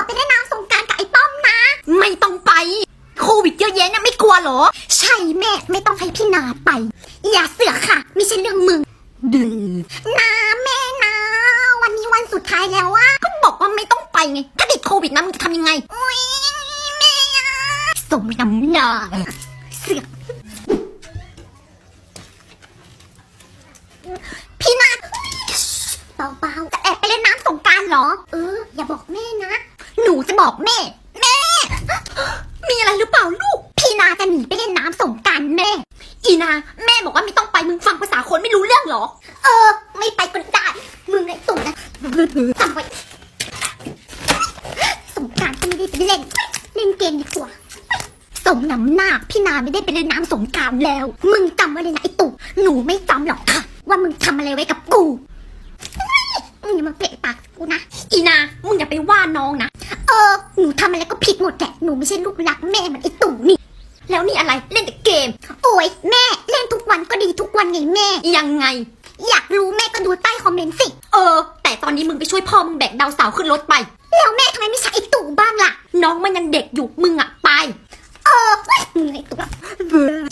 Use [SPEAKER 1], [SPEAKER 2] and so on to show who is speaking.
[SPEAKER 1] ไปเล่นน้ำสงกรานต์กับไอ้ป้อมนะ
[SPEAKER 2] ไม่ต้องไปโควิดเยอะแยะนะไม่กลัวเหรอ
[SPEAKER 1] ใช่แม่ไม่ต้องให้พี่นาไปอย่าเสือกค่ะไม่ใช่เรื่องมึง
[SPEAKER 2] ดื้อ
[SPEAKER 1] นาแม่นะวันนี้วันสุดท้ายแล้วอะ
[SPEAKER 2] ก็บอกว่าไม่ต้องไปไงถ้าติดโควิดนะมึงจะทำยังไง
[SPEAKER 1] อุ๊ยแม่อะ
[SPEAKER 2] สมน้ำหน้า
[SPEAKER 1] เสือกพี่นาเบาๆจะแอบไปเล่นน้ำสงกรานต์เหรออย่าบอกแม่นะหนูจะบอกแม่
[SPEAKER 2] มีอะไรหรือเปล่าลูก
[SPEAKER 1] พี่นาจะหนีไปเล่นน้ำสงกรานต์แม่
[SPEAKER 2] อีนาแม่บอกว่าไม่ต้องไปมึงฟังภาษาคนไม่รู้เรื่องเหรอ
[SPEAKER 1] ไม่ไปก็ได้มึงไอ้ตุ่นนะจำไว้สงกรานต์ก็ไม่ได้ไปเล่นเกมดีกว่าสมน้ำหน้าพี่นาไม่ได้ไปเล่นน้ำสงกรานต์แล้วมึงจำไว้เลยนะไอ้ตุ่หนูไม่จำหรอกค่ะว่ามึงทำอะไรไว้กับกูมึงอย่ามาเปะปากกูนะ
[SPEAKER 2] อีนามึงอย่าไปว่าน้องนะ
[SPEAKER 1] หนูทำอะไรก็ผิดหมดแหละหนูไม่ใช่ลูกรักแม่เหมือนไอ้ตู่นี่
[SPEAKER 2] แล้วนี่อะไรเล่นแต่เกม
[SPEAKER 1] โอ้ยแม่เล่นทุกวันก็ดีทุกวันไงแม่
[SPEAKER 2] ยังไง
[SPEAKER 1] อยากรู้แม่ก็ดูใต้คอมเมนต์สิ
[SPEAKER 2] แต่ตอนนี้มึงไปช่วยพ่อมึงแบกดาวเสาร์ขึ้นรถไป
[SPEAKER 1] แล้วแม่ทำไมไม่ใช่ไอ้ตู่บ้างล่ะ
[SPEAKER 2] น้องมันยังเด็กอยู่มึงอะไป
[SPEAKER 1] มึงไอ้ตู่